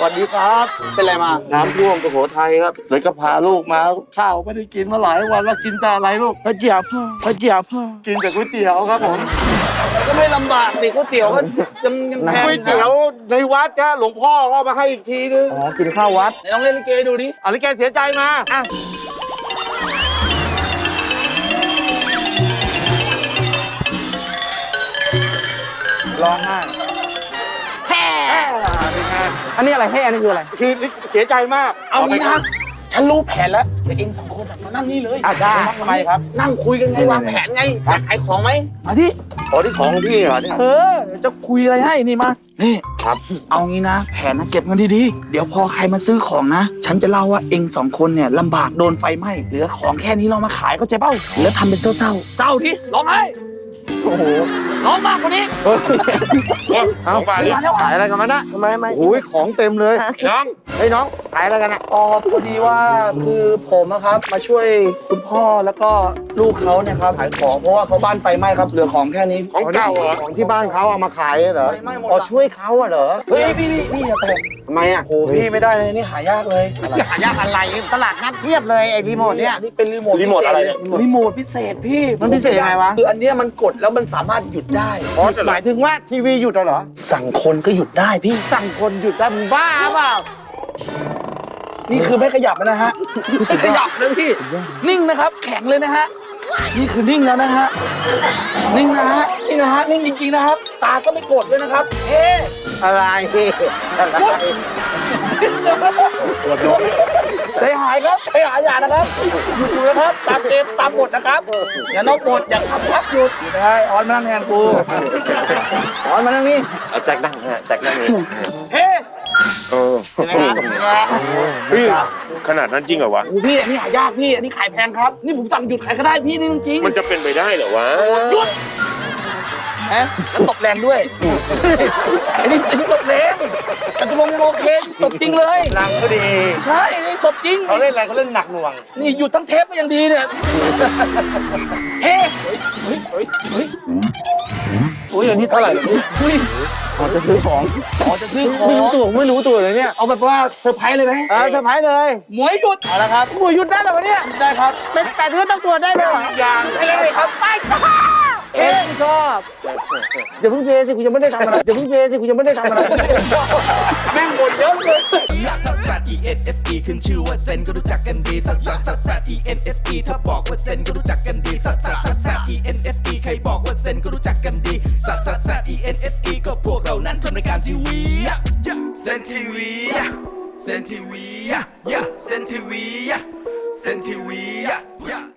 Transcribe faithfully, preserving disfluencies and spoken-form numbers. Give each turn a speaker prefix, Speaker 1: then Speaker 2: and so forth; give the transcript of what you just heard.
Speaker 1: วัสดีครับเป็นไรมา
Speaker 2: น้ำท่วมสุโขทัยครับเลยก็พาลูกมาข้าวไม่ได้กินมาหลายวันแล้วกินแต่อะไรลูกพระเจียบพ่อพระเจียบพ่อกินแต่ก๋วยเตี๋ยวครับผม
Speaker 1: ก็ไม่ลำบากสิก๋วยเตี๋ยวก็ยังยังแพง
Speaker 2: ก๋วยเตี๋ยวในวัดจ้าหลวงพ่อก็มาให้อีกทีนึง
Speaker 3: อ๋อกินข้าววัด
Speaker 1: ไหนลองเล่นลิเกดูดิ
Speaker 2: อะไรแกเสียใจมาอ่ะ
Speaker 3: ร้องไห้
Speaker 2: แฮ่
Speaker 3: อันนี้อะไรแห่นี่คืออะไร
Speaker 2: คือเสียใจมาก
Speaker 1: เอางี้นะฉันรู้แผนแล้วแต่เองสองคนมานั่งนี่เลย
Speaker 2: อ่ะได้ทำไมครับ
Speaker 1: นั่งคุยกันไงวางแผนไงอยากขายของไหม
Speaker 3: อ่ะที่
Speaker 2: อ๋อที่ของพี่เหรอเนี่ย
Speaker 3: เออจะคุยอะไรให้นี่มา
Speaker 1: นี่
Speaker 2: ครับ
Speaker 1: เอางี้นะแผนนะเก็บเงินดีๆเดี๋ยวพอใครมาซื้อของนะฉันจะเล่าว่าเองสองคนเนี่ยลำบากโดนไฟไหม้เหลือของแค่นี้เรามาขายก็เจ๊เป้าแล้วทำเป็นเศร้าเศร้าเศร้าดิร้องไห้
Speaker 3: โอ้โห
Speaker 1: ร้องมากกว่านี้
Speaker 2: เอาไปดิขายอะไรกันมานะ
Speaker 3: ทำไมไม่
Speaker 2: โอ้ยของเต็มเลยน้องเฮ้ยน้องขายอะไรกันอ่ะ
Speaker 3: อ๋อพอดีว่าคือผมนะครับมาช่วยคุณพ่อแล้วก็ลูกเขาเนี่ยครับขายของเพราะว่าเขาบ้านไฟไหม้ครับเหลือของแค่นี้
Speaker 2: ของเก่าเหรอของที่บ้านเขาเอามาขายเหรอ
Speaker 3: ไฟไหม้หมด
Speaker 2: อ๋อช่วยเขาเหรอ
Speaker 3: เฮ้ยพี่พี่พี่อย่าแตะ
Speaker 2: ทำไมอ่ะ
Speaker 3: โอ้พี่ไม่ได้เลยนี่หายากเลย
Speaker 2: หายากอะไรตลาดนัดเทียบเลยไอ้รีโมทเนี่ย
Speaker 3: นี่เป็นรีโมท
Speaker 2: รีโมทอะไรเนี่ย
Speaker 3: รีโมทพิเศษพี่
Speaker 2: มันพิเศษยังไงวะ
Speaker 3: คืออันเนี้ยมันกดแล้วมันสามารถหยุดได้
Speaker 2: อ๋อหมายถึงว่าทีวีหยุดเหรอ
Speaker 1: สั่งคนก็หยุดได้พี่
Speaker 2: สั่งคนหยุดได้มึงบ้าเปล่า
Speaker 3: นี่คือไม่ขยับนะฮะ
Speaker 1: ไม่ขยับเลยพี่
Speaker 3: นิ่งนะครับแข็งเลยนะฮะนี่คือนิ่งแล้วนะฮะนิ่งนะฮะนี่นะฮะนิ่งจริงๆนะครับตาก็ไม่โกรธด้วยนะครับเอ๊ะ
Speaker 2: อะไรอะไร
Speaker 3: ปวดหัวใจหายครับใจหายอย่านะครับหยุดอยู่นะครับตามเกมตามบทนะครับอย่านอกบทอย่าทำพักหยุดไม่ได้ออนมานั่งแทนกูออนมานั่งนี่
Speaker 2: เอาแจ็คนั่งฮะแจ็คนั่งนี่
Speaker 3: เฮ้
Speaker 2: เออพี่ขนาดนั้นจริงเหรอวะ
Speaker 3: โอ้พี่อันนี้หายากพี่อันนี้ขายแพงครับนี่ผมสั่งหยุดขายก็ได้พี่นี่จริง
Speaker 2: มันจะเป็นไปได้เหรอวะ
Speaker 3: หยุดฮะแล้วตบแรงด้วยอันนี้อันนี้ตบแรงแต่ตกลงยังโอเคตบจริงเลย
Speaker 2: หนังก็ดี
Speaker 3: ใช่นี่ตบจริง
Speaker 2: เขาเล่นอะไรเขาเล่นหนักหน่วง
Speaker 3: นี่หยุดทั้งเทปก็ยังดีเนี่ยเฮ้เฮ้ยเฮ้ยเฮ้ย
Speaker 2: โอ้ยอันนี้เท่าไหร่เนี่ย
Speaker 3: พี่อ๋อจะซื้อของอ๋อจะซื้อของ
Speaker 2: ไม่รู้ตัวไม่รู้ตัวเลยเนี่ย
Speaker 3: เอาแบบว่าเซอร์ไพรส์เลยไหม
Speaker 2: เออเซอร์ไพรส์เลย
Speaker 3: หมวยหยุด
Speaker 2: เอาละครับ
Speaker 3: หมวยหยุดได้หรอวะเนี่ย
Speaker 2: ได้ครับเป็นแต่เธอต้องตรวจได้ไหมหรอ
Speaker 3: อย่างไม่ได้ครับไป
Speaker 2: เอ๊ะชอบอย่าเพิ่งเฟซสิกูยังไม่ได้ทำอะไรอย่าเพิ่งเฟซสิกูยังไม่ได้ทำอะไร
Speaker 3: แม่งบ่นเยอะเลย
Speaker 4: ซักซักซัก E N S E ขึ้นชื่อว่าเซนก็รู้จักกันดีซักซักซักซัก E N S E ถ้าบอกว่าเซนก็รู้จักกันดีซักซักซักซัก E N S E ใครบอกว่าเซนก็รู้จักกันดีซักซักซัก E N S E ก็พวกเรานั้นทำรายการทีวีเซนทีวีเซนทีวีเซนทีวีเซนทีวี